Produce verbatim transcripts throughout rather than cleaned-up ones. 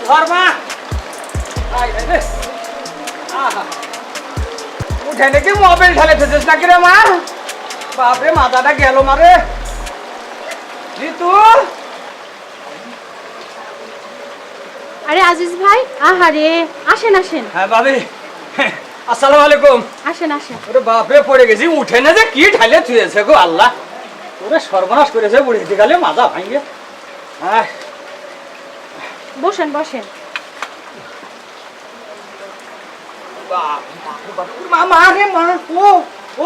ধর মা উঠে নাকি মোবাইল ঢালে ফেলছিস নাকি রে মা? বাপরে মাথাটা গেল মারে। ঋতু আরে আজিজ ভাই, আহারে আসেন আসেন। হ্যাঁ ভাবি, আসসালামু আলাইকুম। আসেন আসেন। ওরে বাপরে পড়ে গেছি, উঠে না যে কি ঢালে থুয়েছে গো আল্লাহ। ওরে সর্বনাশ করেছে বুড়ি দিকালে মাথা ভাঙে। হ্যাঁ বসেন বসেন। মা মা রে মা, ও ও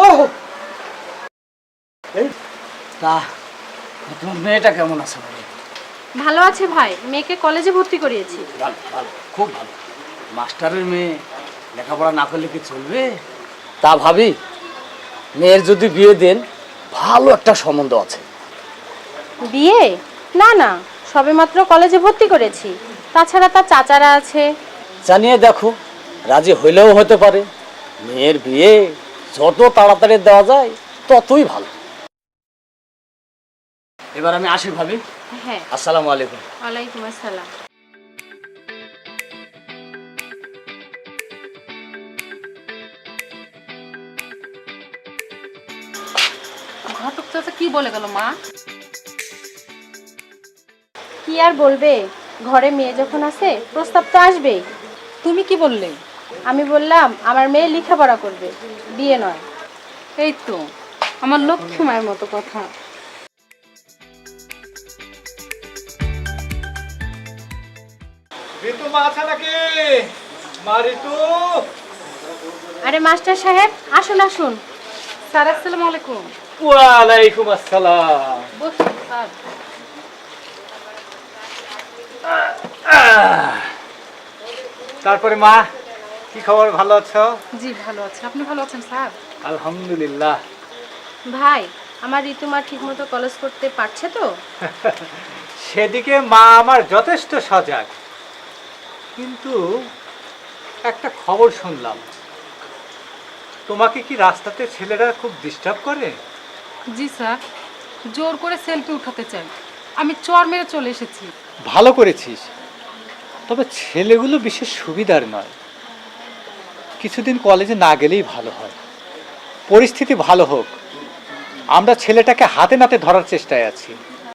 এই তা তোমার মেয়েটা কেমন আছে ভাই? ভালো আছে ভাই, মেয়েকে কলেজে ভর্তি করিয়েছি। ভালো ভালো, খুব ভালো। মাস্টারের মেয়ে লেখাপড়া না করলে কি চলবে? তা ভাবি, মেয়ের যদি বিয়ে দেন, ভালো একটা সম্বন্ধ আছে। বিয়ে? না না, সবেমাত্র কলেজে ভর্তি করেছি। তাছাড়া তার চাচারা আছে। জানিয়ে দেখো, রাজি হইলেও হতে পারে। মেয়ের বিয়ে যত তাড়াতাড়ি দেওয়া যায় ততই ভালো। এবার আমি আসি ভাবি। হ্যাঁ, আসসালামু আলাইকুম। ওয়ালাইকুম আসসালাম। ঘটক চাচা কি বলে গেল মা? কি আর বলবে, ঘরে মেয়ে যখন আছে প্রস্তাব তো আসবেই। তুমি কি বললে? আমি বললাম আমার মেয়ে লেখাপড়া করবে, বিয়ে নয়। এই তো আমার লক্ষ্মী মায়ের মতো কথা। ঋতু মা আছে নাকি? মা ঋতু? আরে মাস্টার সাহেব, আসুন আসুন। স্যার আসসালামু আলাইকুম। ওয়ালাইকুম আসসালাম। বসুন স্যার। তারপরে মা, কি খবর, ভালো আছো? জি ভালো আছে, আপনি ভালো আছেন স্যার? আলহামদুলিল্লাহ। ভাই, আমার ঋতুমা ঠিকমতো কলেজ করতে পারছে তো? সেদিকে মা আমার যথেষ্ট সজাগ, কিন্তু একটা খবর শুনলাম, তোমাকে কি রাস্তাতে ছেলেরা খুব ডিস্টার্ব করে? জি স্যার, জোর করে সেলফি উঠাতে চাই। আমি চর মেরে চলে এসেছি। ভালো করেছিস, তবে ছেলেগুলো বিশেষ সুবিধার নয়। কিছুদিন কলেজে না গেলেই ভালো হয়। পরিস্থিতি ভালো হোক, আমরা ছেলেটাকে হাতে নাতে ধরার চেষ্টায় আছি।